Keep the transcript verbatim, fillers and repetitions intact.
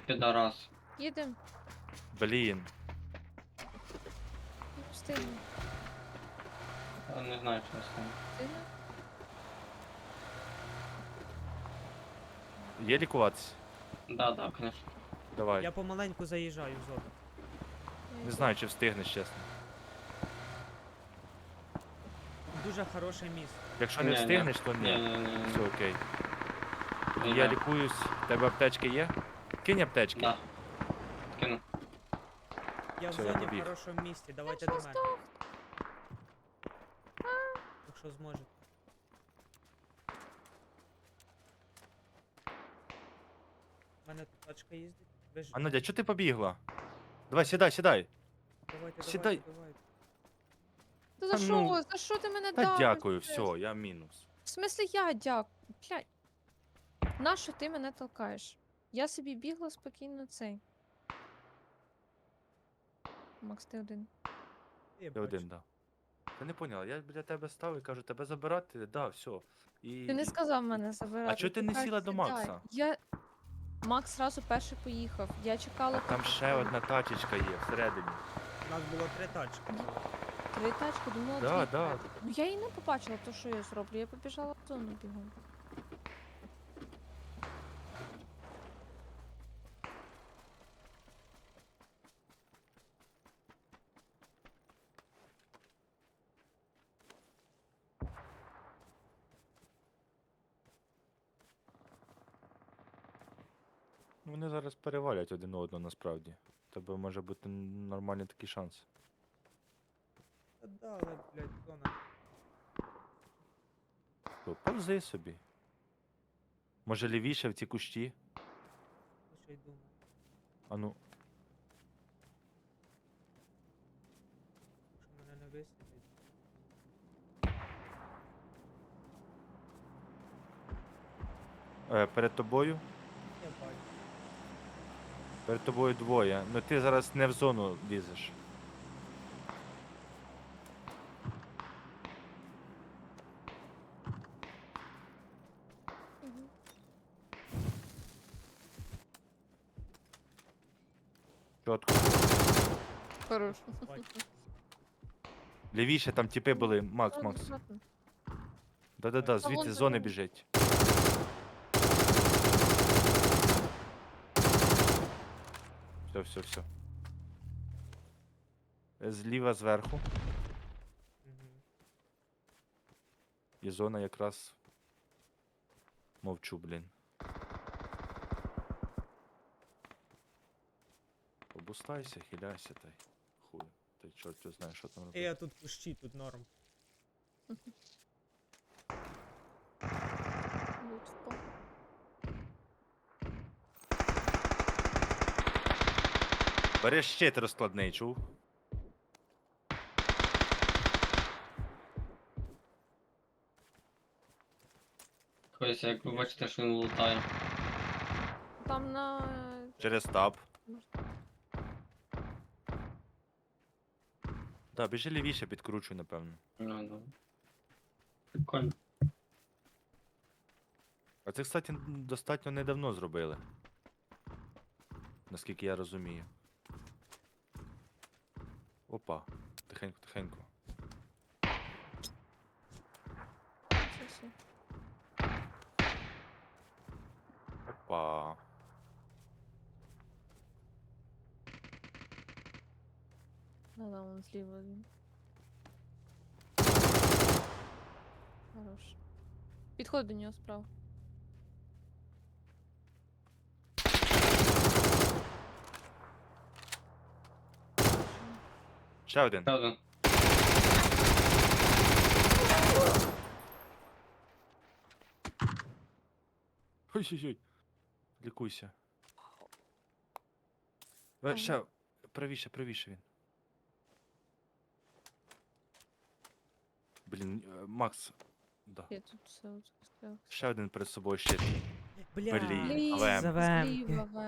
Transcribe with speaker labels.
Speaker 1: підарас.
Speaker 2: Їдем.
Speaker 3: Блін.
Speaker 2: Не встигну.
Speaker 1: Я не знаю, що з тим.
Speaker 2: Встигну?
Speaker 3: Є лікуватися?
Speaker 1: Да, да, конечно.
Speaker 3: Давай.
Speaker 4: Я помаленьку заїжджаю в зону.
Speaker 2: Я
Speaker 3: Не
Speaker 2: йду.
Speaker 3: знаю, чи встигнеш, чесно.
Speaker 4: Дуже хороше місце.
Speaker 3: Якщо
Speaker 1: Ні,
Speaker 3: не
Speaker 1: ні.
Speaker 3: встигнеш, то
Speaker 1: Ні,
Speaker 3: ні.
Speaker 1: ні, ні, ні.
Speaker 3: Все окей.
Speaker 1: Ні,
Speaker 3: Я
Speaker 1: да.
Speaker 3: лікуюсь. В тебе аптечки є? Кинь аптечки.
Speaker 1: Да. Кину.
Speaker 4: Я в
Speaker 3: Все, я
Speaker 4: зоні в
Speaker 3: побіг.
Speaker 4: хорошому місці, давайте
Speaker 2: що
Speaker 4: до мене. Якщо зможете. У мене тут тачка їздить. Ви ж...
Speaker 3: А Надя, чого ти побігла? Давай, сідай, сідай.
Speaker 4: Давайте,
Speaker 3: сідай.
Speaker 4: давайте, давайте.
Speaker 2: Та за
Speaker 3: Та
Speaker 2: що?
Speaker 3: ну,
Speaker 2: За що ти мене
Speaker 3: Та
Speaker 2: давиш?
Speaker 3: дякую, все, я мінус.
Speaker 2: В смислі я дякую? Блядь. Нащо ти мене толкаєш? Я собі бігла спокійно цей. Макс, ти один.
Speaker 4: Я
Speaker 3: Я
Speaker 4: бачу.
Speaker 3: один, да. Ти не поняла, я біля тебе став і кажу, тебе забирати? Да, все. І...
Speaker 2: Ти не
Speaker 3: і-
Speaker 2: сказав мене забирати.
Speaker 3: А чого ти не
Speaker 2: кажеш,
Speaker 3: сіла до
Speaker 2: сідай.
Speaker 3: Макса?
Speaker 2: Я... Макс зразу перший поїхав. Я чекала.
Speaker 3: А там
Speaker 2: поки
Speaker 3: ще
Speaker 2: він-
Speaker 3: одна тачечка є всередині.
Speaker 4: У нас було три тачки.
Speaker 2: Три тачки, думала,
Speaker 3: Да,
Speaker 2: дві.
Speaker 3: да.
Speaker 2: Ну я і не побачила, то що я зроблю. Я побіжала в зону бігом.
Speaker 3: Вони зараз перевалять один одного насправді. У тебе може бути нормальний такий шанс.
Speaker 4: Та да, але, блядь, зона.
Speaker 3: То повзи собі. Може лівіше в ці кущі?
Speaker 4: Ну що й думаю.
Speaker 3: А ну,
Speaker 4: Якщо мене не висвітить.
Speaker 3: е, перед тобою.
Speaker 4: Я бачу.
Speaker 3: Перед тобою двоє. Ну ти зараз не в зону лізеш.
Speaker 2: Угу.
Speaker 3: Чотко.
Speaker 2: Хорош.
Speaker 4: Бачу.
Speaker 3: Лівіше там тіпи були. Макс, Макс.
Speaker 2: Аккуратно.
Speaker 3: Да-да-да,
Speaker 2: Та
Speaker 3: звідси
Speaker 2: вон
Speaker 3: з
Speaker 2: за
Speaker 3: зони
Speaker 2: ним.
Speaker 3: біжить. Все, все, все. Зліва зверху.
Speaker 4: Угу.
Speaker 3: І зона якраз. Мовчу, блін. Обустайся, хиляйся, та й хуй. Та й чорт його знає, що там
Speaker 4: І
Speaker 3: робити.
Speaker 4: я тут кущі, тут норм.
Speaker 2: Лут впав.
Speaker 3: Бери щит розкладний, чув?
Speaker 1: Ось, як ви бачите, що він лутає.
Speaker 2: Там на...
Speaker 3: Через таб. Так, біжи лівіше, підкручуй, напевно.
Speaker 1: Ну, ну. Прикольно.
Speaker 3: А це, кстати, н- достатньо недавно зробили. Наскільки я розумію. Опа. Тихенько, тихенько.
Speaker 2: Це все.
Speaker 3: Опа.
Speaker 2: Да-да, вон зліва він. Хорош. Підходь до нього справа.
Speaker 3: Ще один.
Speaker 1: Ще один.
Speaker 3: Ой-ой-ой. Лікуйся. Е,
Speaker 2: Ага.
Speaker 3: Ще. Правіше, правіше він. Блін, е, Макс. Да.
Speaker 2: Я тут все застряг.
Speaker 3: Ще один перед собою щит.
Speaker 4: Бля.
Speaker 3: Блін,
Speaker 2: Блін,
Speaker 3: але-
Speaker 4: Завемки.
Speaker 2: зліва,